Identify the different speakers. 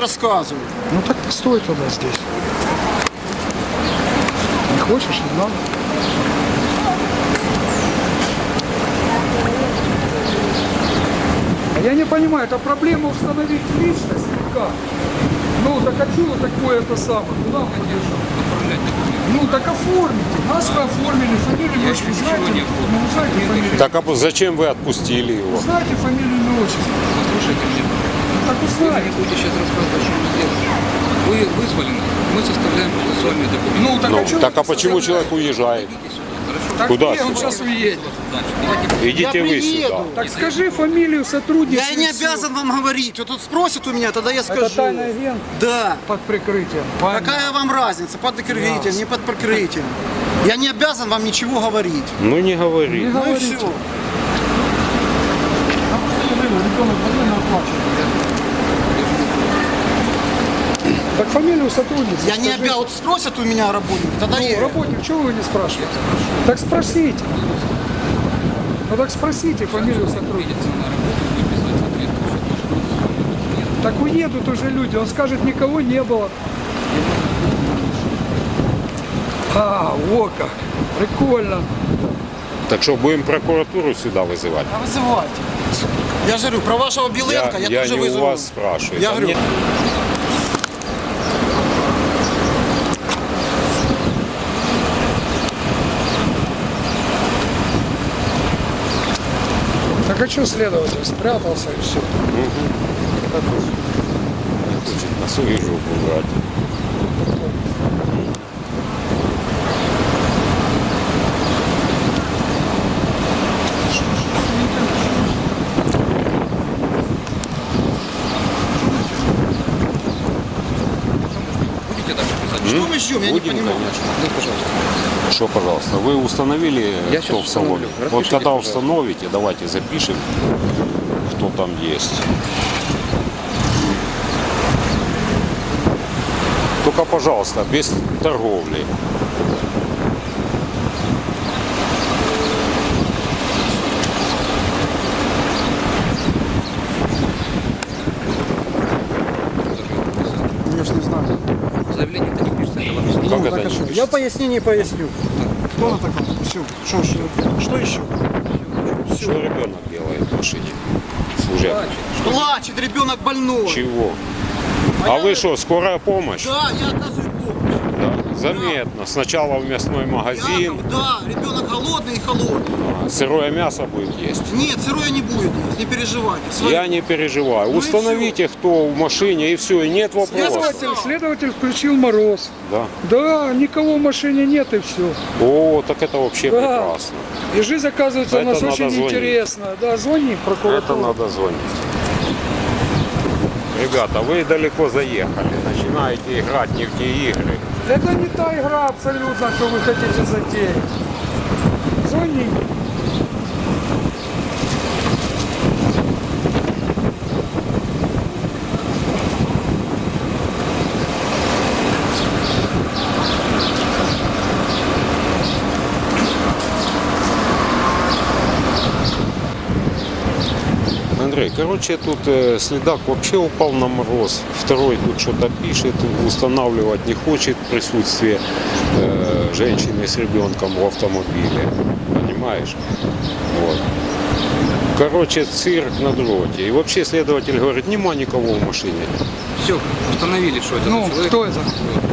Speaker 1: рассказываю.
Speaker 2: Ну так постой тогда здесь. Не хочешь, не надо. А я не понимаю, это проблема установить личность или как? Ну так а что такое это самое? Куда мы держим? Ну так оформите. Нас вы оформили, фамилию, отчество. Знаете, ну, вы знаете фамилию?
Speaker 3: Так а зачем вы отпустили его?
Speaker 2: Знаете фамилию, имя, отчество?
Speaker 4: Послушайте меня.
Speaker 2: Так
Speaker 4: Вы
Speaker 2: узнаете.
Speaker 4: мне будете сейчас рассказывать, что мы делаем. Вы вызвали нас, мы составляем процессуальные документы.
Speaker 2: Ну так
Speaker 3: Ну,
Speaker 2: а что?
Speaker 3: так а почему человек уезжает?
Speaker 4: Идите сюда, хорошо?
Speaker 2: Так
Speaker 3: Куда
Speaker 2: нет, он
Speaker 3: сюда?
Speaker 2: сейчас уедет.
Speaker 4: Давайте
Speaker 3: Идите
Speaker 1: Я
Speaker 3: вы
Speaker 1: приеду.
Speaker 3: сюда.
Speaker 2: Так скажи фамилию сотрудника.
Speaker 1: Я не обязан вам говорить. Вот тут спросят у меня, тогда я скажу.
Speaker 2: Это тайный агент
Speaker 1: Да.
Speaker 2: под прикрытием.
Speaker 1: Какая вам разница, под прикрытием, не под прикрытием? Я не обязан вам ничего говорить.
Speaker 3: Ну не говори.
Speaker 2: Не
Speaker 1: Ну и
Speaker 2: говорите.
Speaker 1: все.
Speaker 2: Так фамилию сотрудницы.
Speaker 1: Я не
Speaker 2: скажите.
Speaker 1: обязан. Вот спросят у меня работники, тогда
Speaker 2: Ну,
Speaker 1: я.
Speaker 2: работник, чего вы не спрашиваете? Так спросите. Ну так спросите фамилию сотрудницы. Так уедут уже люди, он скажет, никого не было. А, во как, прикольно.
Speaker 3: Так что будем прокуратуру сюда вызывать?
Speaker 1: А вызывайте. Я же говорю, про вашего Беленко я,
Speaker 3: Я
Speaker 1: тоже
Speaker 3: не у
Speaker 1: вызову.
Speaker 3: вас спрашиваю.
Speaker 1: Я
Speaker 3: Там
Speaker 1: говорю,
Speaker 3: нет-
Speaker 2: Так а что следователь спрятался и все?
Speaker 3: Не хочет на свою жопу брать.
Speaker 4: будете дальше писать?
Speaker 1: что мы ждем, я не
Speaker 3: Будем,
Speaker 1: понимаю.
Speaker 3: конечно.
Speaker 4: Ну, пожалуйста.
Speaker 3: Что, пожалуйста, вы установили,
Speaker 4: Я
Speaker 3: кто
Speaker 4: щас
Speaker 3: в салоне?
Speaker 4: установлю.
Speaker 3: Вот
Speaker 4: Распишитесь,
Speaker 3: когда
Speaker 4: пожалуйста.
Speaker 3: установите, давайте запишем, кто там есть. Только, пожалуйста, без торговли.
Speaker 1: Я ж не знаю.
Speaker 4: Заявление это не пишется, это вам
Speaker 3: Как
Speaker 1: Ну,
Speaker 3: это
Speaker 1: так а
Speaker 3: не
Speaker 1: что?
Speaker 3: пишется?
Speaker 1: Я пояснение поясню. Кто на таком? Все. Что еще?
Speaker 3: Что ребенок делает в машине? Служебный.
Speaker 1: Плачет, ребенок больной.
Speaker 3: Чего? А вы что, скорая помощь?
Speaker 1: Да, я оказываю помощь.
Speaker 3: Да, заметно. Сначала в мясной магазин,
Speaker 1: Яков, да, ребенок голодный и холодный.
Speaker 3: сырое мясо будет есть.
Speaker 1: Нет, сырое не будет есть, не переживайте.
Speaker 3: Я не переживаю.
Speaker 1: Ну и
Speaker 3: Установите, кто в машине, и все, и нет вопросов.
Speaker 2: Следователь включил мороз.
Speaker 3: Да.
Speaker 2: Да, никого в машине нет и все.
Speaker 3: О, так это вообще
Speaker 2: Да.
Speaker 3: прекрасно.
Speaker 2: И жизнь, оказывается, у
Speaker 3: Это
Speaker 2: нас
Speaker 3: надо
Speaker 2: очень
Speaker 3: звонить.
Speaker 2: интересная. Да, звони в
Speaker 3: Это
Speaker 2: прокуратуру.
Speaker 3: надо звонить. Ребята, вы далеко заехали. Начинаете играть не в те игры.
Speaker 2: Это не та игра абсолютно, что вы хотите затеять. Звони.
Speaker 3: Андрей, короче, тут следак вообще упал на мороз. Второй тут что-то пишет, устанавливать не хочет присутствие женщины с ребенком в автомобиле. Понимаешь? Вот. Короче, цирк на дроте. И вообще следователь говорит, нема никого в машине.
Speaker 4: Все, установили, что это
Speaker 2: Ну,
Speaker 4: за человек.
Speaker 2: кто это?